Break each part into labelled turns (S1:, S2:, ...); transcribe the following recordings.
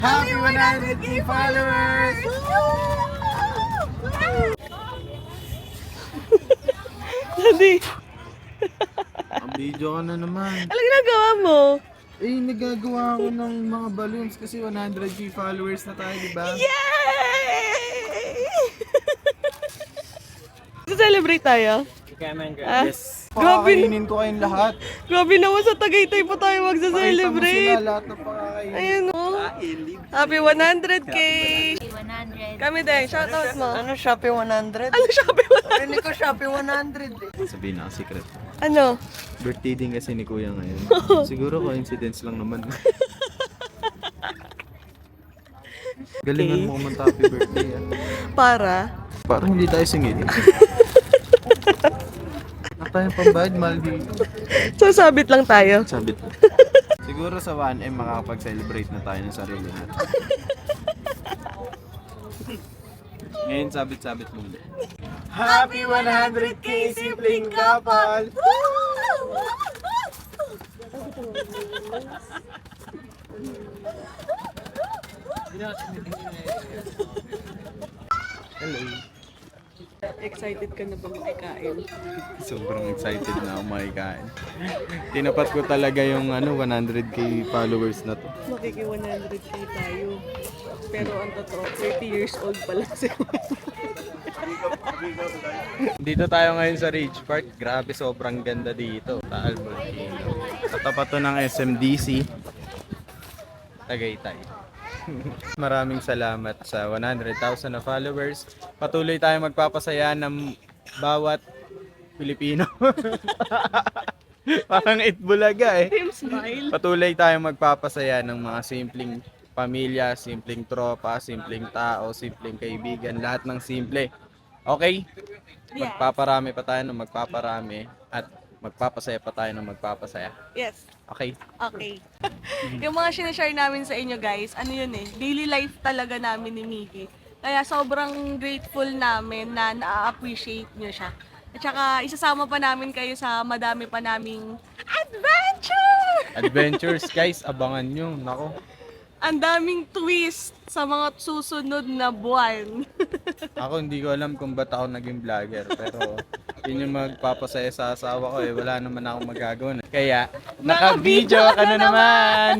S1: Happy 100k followers!
S2: Daddy,
S1: Ang video ka na naman.
S2: ano ginagawa mo?
S1: Eh, nagagawa ako ng mga balloons kasi 100k followers na tayo, di ba?
S2: Yay! Celebrate tayo? Ah,
S1: Yes.
S2: Grabe,
S1: Pakakainin ko kayong lahat.
S2: grabe naman sa Tagaytay pa tayo
S1: Pakita mo sila
S2: magsa-celebrate.
S1: lahat ng pakakainin.
S2: Ayun o. Happy 100k!
S3: 100.
S2: Kami din, shoutout mo.
S4: Ano, Shopee 100?
S2: Ano Shopee 100?
S4: Rinig ko Shopee 100 eh.
S1: Sabihin na secret.
S2: Ano?
S1: Birthday din kasi ni Kuya ngayon. Siguro coincidence lang naman. Galingan mo kumanta happy birthday.
S2: Para?
S1: Parang hindi tayo singil. Tayong pambayad, mahal dito.
S2: Sasabit lang tayo.
S1: Sabit. Siguro sa 1M makakapag-celebrate na tayo ng sarili natin. Ngayon, sabit-sabit muna. Happy 100k sibling couple! Hello.
S2: Excited ka na ba makikain?
S1: Sobrang excited na ako makikain. Tinapat ko talaga yung 100k followers na to.
S2: Makiki 100k tayo. Pero ang totoo, 30 years old pa lang si
S1: Dito tayo ngayon sa Ridge Park. Grabe, sobrang ganda dito. Taal Volcano. Sa tapat to ng SMDC. Tagaytay. Maraming salamat sa 100,000 na followers. Patuloy tayong magpapasaya ng bawat Pilipino. Parang Itbulaga eh.
S2: Smile.
S1: Patuloy tayong magpapasaya ng mga simpleng pamilya, simpleng tropa, simpleng tao, simpleng kaibigan, lahat ng simple. Okay? Magpaparami pa tayo ng magpaparami at magpapasaya pa tayo ng magpapasaya.
S2: Yes.
S1: Okay?
S2: Okay. Yung mga sinashare namin sa inyo guys, ano yun eh, daily life talaga namin ni Miggy. Kaya sobrang grateful namin na na-appreciate nyo siya. At saka isasama pa namin kayo sa madami pa naming adventure!
S1: Adventures guys, abangan nyo. Nako.
S2: Ang daming twist sa mga susunod na buwan.
S1: Ako hindi ko alam kung ba't ako naging vlogger. Pero yun yung magpapasaya sa asawa ko eh. Wala naman akong magagawa. Kaya, naka-video ka na naman!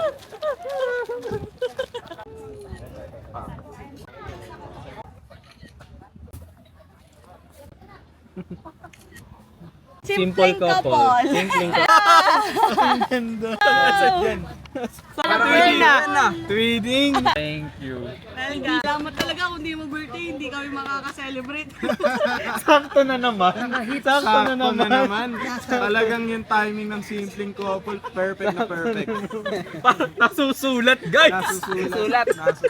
S2: Simple couple.
S1: Simpleng couple. Ang ganda. Nasaan yan?
S2: Celebrate na!
S1: Tweeting! Thank you.
S2: Salamat talaga kung di mo birthday, hindi kami makaka-celebrate.
S1: Sakto na naman. Sakto na naman. Talagang yung timing ng simpleng couple, perfect na perfect. Parang nasusulat, guys. Nasusulat.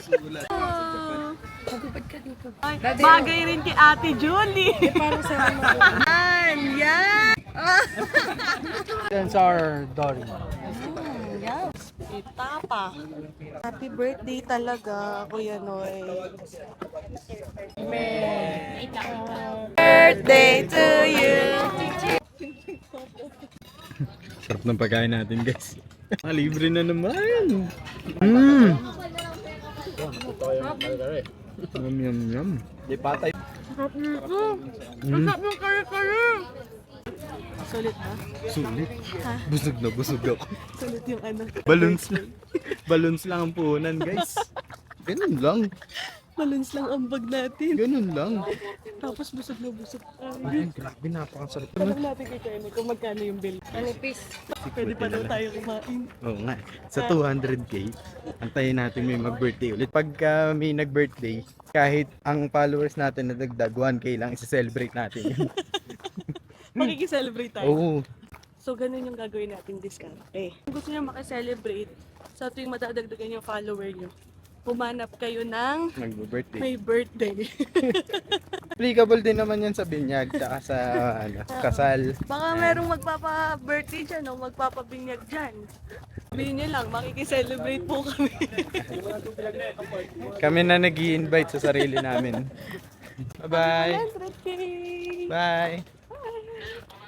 S2: Ay, bagay rin kay Ate Julie. Para sa yan!
S4: That's our daughter.
S2: Yan. Itapa. Happy birthday talaga, Kuya Noy. Birthday to you!
S1: Sarap ng pagkain natin, guys. Libre na naman. Yum, yum, yum. Di patay.
S2: Sarap nito. Sarap ng kare-kare. Sulit ba?
S1: Sulit.
S2: Ha?
S1: Busog na busog ako.
S2: Sulit yung ano.
S1: Balloons lang. Balloons lang ang puhunan, guys. Ganun lang.
S2: Balance lang ang bag natin.
S1: Ganun lang.
S2: Tapos busog na busog.
S1: Ay, grabe, napakasarap.
S2: Tanong natin kay Kenny kung magkano yung bill.
S3: Manipis.
S2: Pwede pa daw tayo kumain.
S1: Oo nga. Sa 200k, antayin natin may mag-birthday ulit. Pagka may nag-birthday, kahit ang followers natin na dagdag 1k lang, isi-celebrate natin yun.
S2: Makikiselebrate tayo.
S1: Oo.
S2: So, ganun yung gagawin natin diskarte. Kung gusto nyo makiselebrate, sa tuwing madadagdagan yung follower nyo, humanap kayo ng
S1: Mag-birthday.
S2: may birthday.
S1: Applicable din naman yan sa binyag, tsaka sa kasal.
S2: Baka merong magpapa-birthday dyan o magpapabinyag dyan. Sabihin nyo lang, makikiselebrate po kami.
S1: Kami na nag-i-invite sa sarili namin. Bye-bye.
S2: 100K!
S1: Bye.